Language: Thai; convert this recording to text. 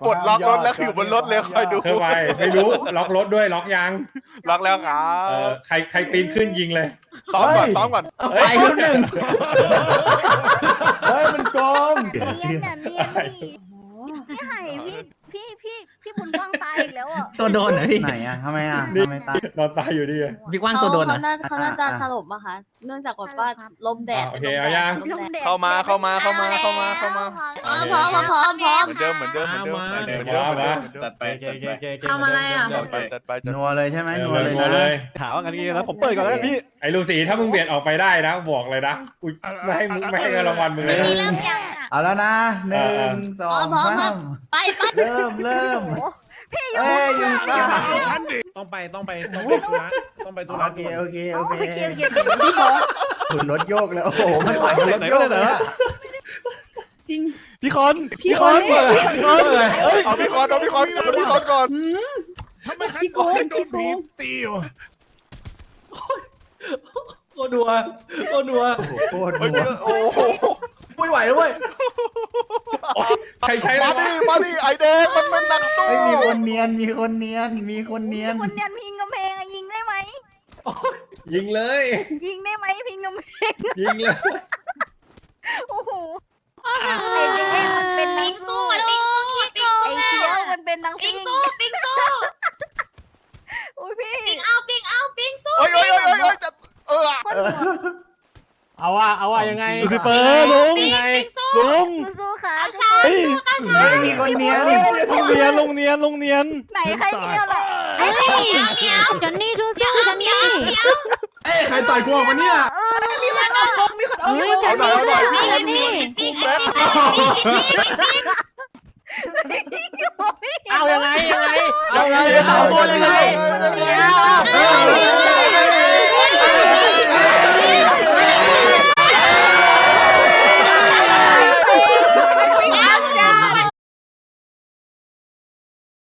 ปลดล็อกรถแล้วอยู่บนรถเลยคอยดูเพื่อไปไม่รู้ล็อกรถด้วยล็อกยังล็อกแล้วครัใครปีนขึ้นยิงเลยซ้อมก่อนไปคนหนึ่งเฮ้ยมันโกงเนียนเนี่ยเนียนดิพี่ไห่พี่บุญกว้างตายอีกแล้วอ่ะตัวโดนเหรอพี่ไหนอ่ะทำไมอ่ะทำไมตายนอนตายอยู่ดีพี่กว้างตัวโดนเหรอเขาน่าจะสลบอะค่ะ เนื่องจากว่าลมแดดโอเคเอายังลมแดดเข้ามาพร้อมเหมือนเดิมเหมือนเดิมจัดไปทำอะไรอ่ะจัดไปนัวเลยใช่ไหมนัวนัวเลยถามว่ากันงี้แล้วผมเปิดก่อนแล้วพี่ไอ้ลูสีถ้ามึงเบียดออกไปได้นะบอกเลยนะกูไม่ให้รางวัลมึงเลยนะเอาแล้วนะหนึ่งสองสามไปเริ่มเอ้ยอยู่ป่ะต้องไปธุระต้องไปธุระโอเคพี่ขอคุณรถโยกแล้วโอ้โหไม่ไหวรถไหนโยก็กได้เลยเหรอพี่คอนเอาพี่คอนก่อนทำไมใครโดนผีตีวะโคตรดัวโคตรโอ้โหไม่ไหวแล้วเว้ยใครใช้มาดิไอแดงมันเป็นนักสู้ไม่มีคนเนียนคนเนียนพิงกำแพงอะยิงได้ไหมยิงเลยยิงได้ไหมพิงกำแพงยิงเลยโอ้โหไอ้เด็กมันเป็นนักสู้ไอ้เคี้ยวมันเป็นนักปิ้งสู้โอ้ยพี่โอ้ยจะเอาว่ายังไงลูซิเฟอร์ลุงสู้ค่ะไม่มีคนเนียนลุงเนียนไหนใครเคี้ยวล่ะจอนนี่สู้ๆจอนนี่เอ้ใครต่อยกูออกมาเนี่ยมีคนเอาเฮ้ยจอนนี่จอนนี่เอายังไงเอาบอลยังไง